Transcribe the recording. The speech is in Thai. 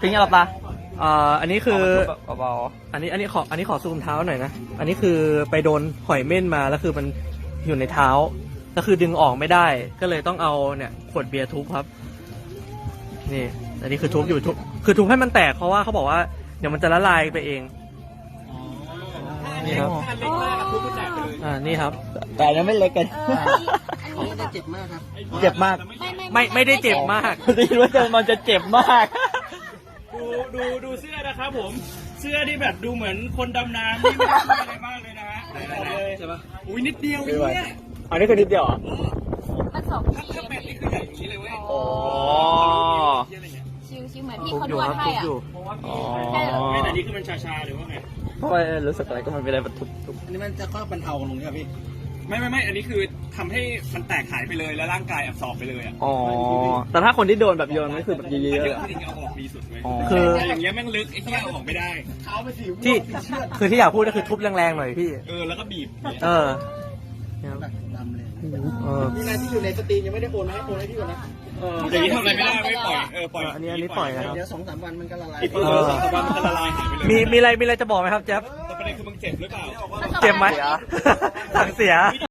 ทิ้งอะไรปะอันนี้คือเบาอันนี้ขอซูมเท้าหน่อยนะ อันนี้คือไปโดนหอยเม่นมาแล้วคือมันอยู่ในเท้าแล้วคือดึงออกไม่ได้ ก็เลยต้องเอาเนี่ยขวดเบียร์ทุบครับนี่ อันนี้คือทุบอยู่คือทุบให้มันแตกเพราะว่าเขาบอกว่าเดี๋ยวมันจะละลายไปเองนี่ครับนี่ครับๆแต่นั้นไม่เล็กกันอันนี้จะเจ็บมากครับเจ็บมากไม่ได้เจ็บมากได้ยินว่ามันจะเจ็บมากดูเสื้อนะครับผม เสื้อที่แบบดูเหมือนคนดำน้ำนี่ไม่ได้อะไรมากเลยนะฮะใช่ปะอุ้ยนิดเดียวเนี่ยอันนี้คือนิดเดียวเหรอมันสองถ้าเป็ดนี่คือใหญ่อย่างนี้เลยเว้ยอ๋อชิวๆเหมือนที่ทุบเขาอน ยู่วดครับให้ทุบอ่ะอยู่ไม่แต่นี่คือมันชาๆหรือว่าไงเพราะว่ารู้สึกอะไรก็มันเป็นอะไรแบบทุบอันนี้มันจะค่อยบรรเทาลงใช่ไหมพี่ไม่อันนี้คือทำให้มันแตกหายไปเลยแล้วร่างกายอับสอบไปเลยอ่ะอ๋อ แต่ถ้าคนที่โดนแบบโยนก็คือแบบเยอันอะนี้ๆอะคือจริงๆเอาออกดีสุดเว้ยอ๋อคือแต่อย่างเงี้ยแม่งลึกไอ้เหี้ยเอาออกไม่ได้คือที่อยากพูดก็คือทุบแรงๆหน่อยพี่แล้วก็บีบเออแบบดำเลยเออนี่นายที่อยู่ในสตรีมยังไม่ได้โอนมาให้โอนให้พี่ก่อนนะอย่างนี้ทำอะไรไม่ได้ไม่ปล่อยปล่อยอันนี้ปล่อยนะครับเดี๋ยว2-3 วันมันก็ละลายอีก2-3 วันมันจะละลายหายไปเลยมีอะไรจะบอกไหมครับแจ๊บแต่ประเด็นคือมึงเจ็บหรือเปล่าเจ็บไหมสั่งเสีย